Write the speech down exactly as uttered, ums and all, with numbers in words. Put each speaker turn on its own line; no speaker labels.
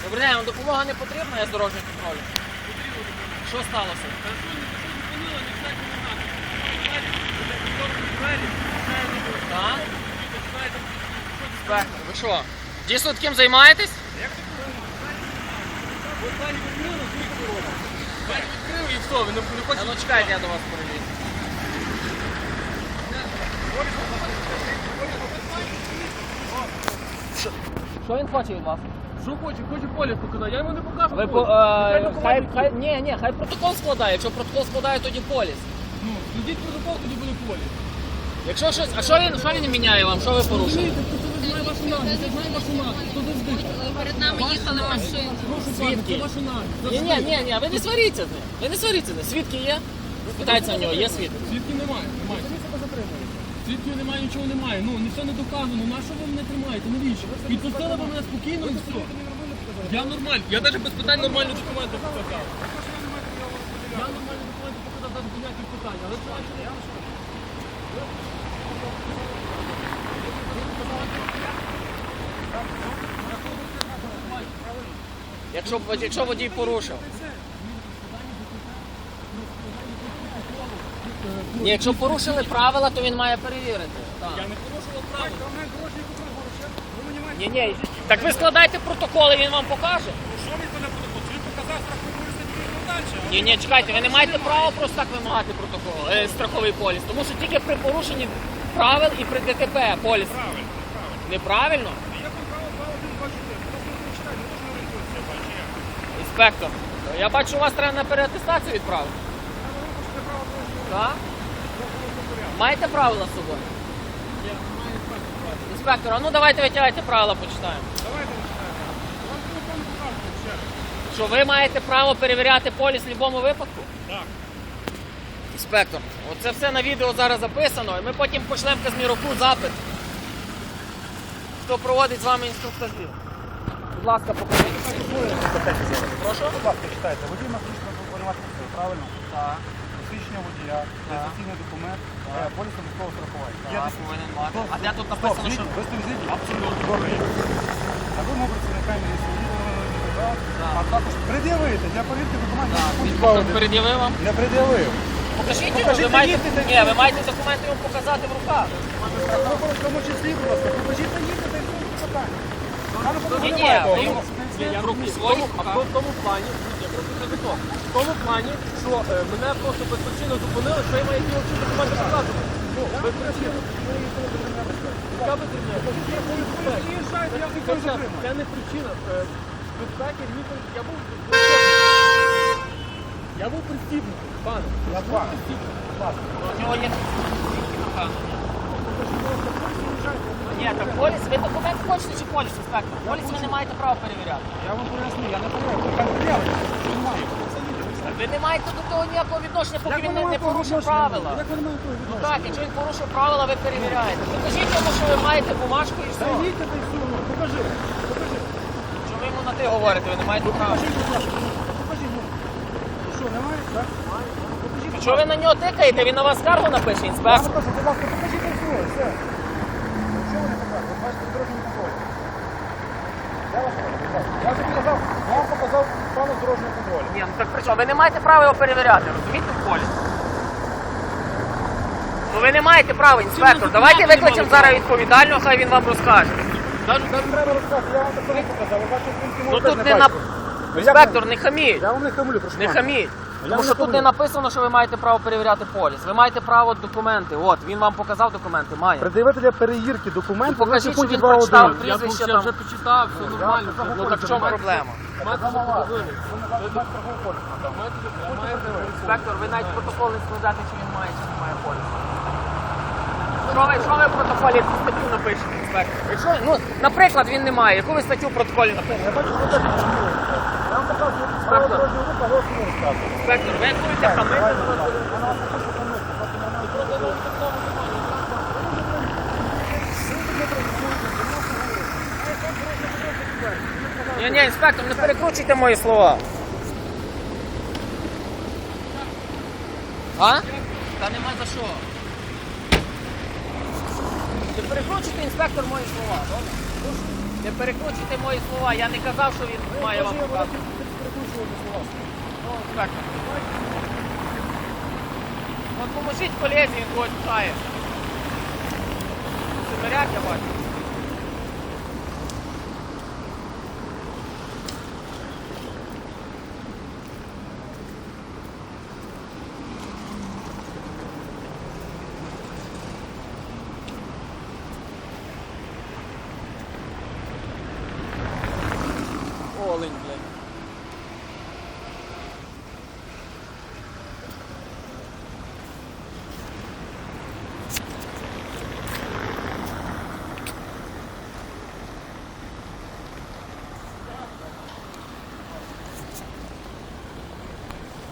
Добрий день, вам допомога не потрібна, я з дорожнього контролю. Що сталося? Так? Інспектор, ви що? Дійсно таким займаєтесь?
Відкрив і все, ви не хочете...
Ну чекайте, я до вас перелізу. Що? Що він хоче від вас?
Що хоче? Хоче поліс показати, я йому не покажу.
Ви по, е, хай, хай, ні, ні, хай протокол складає. Якщо протокол складає, тоді поліс.
Ну, складіть протокол, тоді буде поліс.
Якщо щось, а що він, що він міняє вам? Що ви порушили?
Розумієте, хто це знає вашу нагляд, я знаю вашу нагляд, хто завжди.
Перед нами їхали машини.
Прошу пана,
Свідки?
це ваша нагляд.
Ні, ні, ні, ні, ви не сваріться з ним. Ви не сваріться з ним. Свідки є? Питається в нього, є свідки?
Свідків немає, немає. Свідків немає, нічого немає. Ну, нічого не доказано. На що ви мене тримаєте? Навіщо? Відпустили ви мене спокійно і все. Я нормально. Я навіть без питань нормальні документи показав. Я нормальні документи показав без ніяких питань. Але це я
Якщо, якщо водій порушив. Ні, якщо порушили правила, то він має перевірити. Так.
Я не порушував правила.
Ні, ні. Так ви складайте протоколи, він вам покаже.
Що він мене протокол? Він показав страхову статтю далі.
Ні, ні, чекайте, ви не маєте права просто так вимагати протокол, е, страховий поліс. Тому що тільки при порушенні правил і при ДТП поліс.
Правильно.
Неправильно?
Я контролював два один два чотири. Просто не читаю, не можна орієнтуватися, я бачу як.
Інспектор, я бачу, у вас треба на переатестацію відправити. Так? Маєте правила з собою? Інспектор, а ну давайте витягайте правила, почитаємо.
Давайте почитаємо. Вам телефон покажете ще раз.
Що ви маєте право перевіряти поліс в будь-якому випадку?
Так.
Інспектор, оце все на відео зараз записано, і ми потім пошлемо в Казміроку запит. Хто проводить з вами інструктажі? Будь ласка, покажіть. Прошу?
Будь ласка, читайте. Водій має виконувати функцію, правильно?
Так.
Посвідчення водія, реєстраційний документ, е, поліс обов'язкового страхування. Є
Так,
десь-
повинен мати. А де тут
Стоп,
написано, що...
звідти? Ви з тим звідти? Абсолютно. Добре. На вимогу працівника міліції, а також пред'явити для перевірки документів.
Так,
на
він
пункт два.
перед'явив вам?
Не пред'явив.
Покажіть його,
Покажіть
ви маєте...
їдьте,
Ні, ви маєте документи йому показати в руках.
Ну, в тому числі, будь ласка, покажіть та їдьте, та й все питання.
Ні, ні, ви йому...
Ні, я роблю свої, а в тому плані, я просто не готов. В тому плані, що е, мене просто безпричинно зупинили, що я маю ті очі документи показувати. Ну, без причини. Яка без причини? Це, це не причина. Е, Безпеки, ніколи, я був я був пристібнутий, пане.
Я з вами.
У нього є... Ні, так поліс, ви документ хочете чи поліс, інспектор? Поліс ви не маєте права перевіряти.
Я вам поясню, я не перевіряю. Яка пред'явлення? Що немає? Це відео.
Ви не маєте до того ніякого відношення, поки
Як
він
ви
не, не
маєте
порушив
відношення?
правила.
Як ви не маєте
Ну
відношення?
так, якщо він порушив правила, ви перевіряєте. Покажіть йому, що ви маєте бумажку і
Та
все.
їдьте, та й все. Покажи. Покажи.
Що ви йому на ти говорите, ви не маєте права.
Покажіть, будь ласка. Покажіть. ну. Що, немає? Так? Покажіть.
Що ви на нього тикаєте, він на вас скаргу напише,
Я
інспектор.
покажу, будь ласка, покажіть і все, все. Що ви не показуєте? Бачите, дорожній контроль. Я вас прошу, будь ласка. Я вже показав, я вам показав плану дорожнього контролю.
Ні, ну так при чому? Ви не маєте права його перевіряти, розумієте, в полі? Ну ви не маєте права, інспектор. Давайте викличемо зараз відповідального, хай він вам розкаже.
Навіть не треба розказати, я вам такого показав. Ви бачите, пункти
Ну
мого
тут
теж
не на...
бачите. Ну, як
Інспектор,
ви-
не хаміть.
Я вам не хамлю, прошу
Не
пана.
хаміть.
Я
Тому
не
що тут
хамлю.
не написано, що ви маєте право перевіряти поліс. Ви маєте право документи. От, він вам показав документи, має.
Пред'явити для перевірки документів,
Ну, покажіть,
лише в пункті
що він
два
прочитав.
один.
Я,
Прізвище
я
там.
вже почитав, все нормально. все.
Ну так в чому проблема?
Мати зробили.
Інспектор, ви навіть протокол не складати, чи він має, чи не має полісу. Що ви, що ви в протоколі яку статтю напишете, інспектор? Якщо, ну, наприклад, він не має, яку ви статтю в протоколі напишете?
Я бачу, що ви теж не хамлюєте. Я вам показую, правила дорожнього руху, а ви не розказуєте.
Інспектор, ви як будете хамити? Ні, ні, інспектор, не перекручуйте мої слова. А? Та нема за що. Не перекручуйте, інспектор, мої слова, добре? Не перекручуйте мої слова, я не казав, що він має вам показувати.
Перекручувати слова.
Ну, інспектор. От поможіть колезі, він когось пхає. Це наряд, я бачу.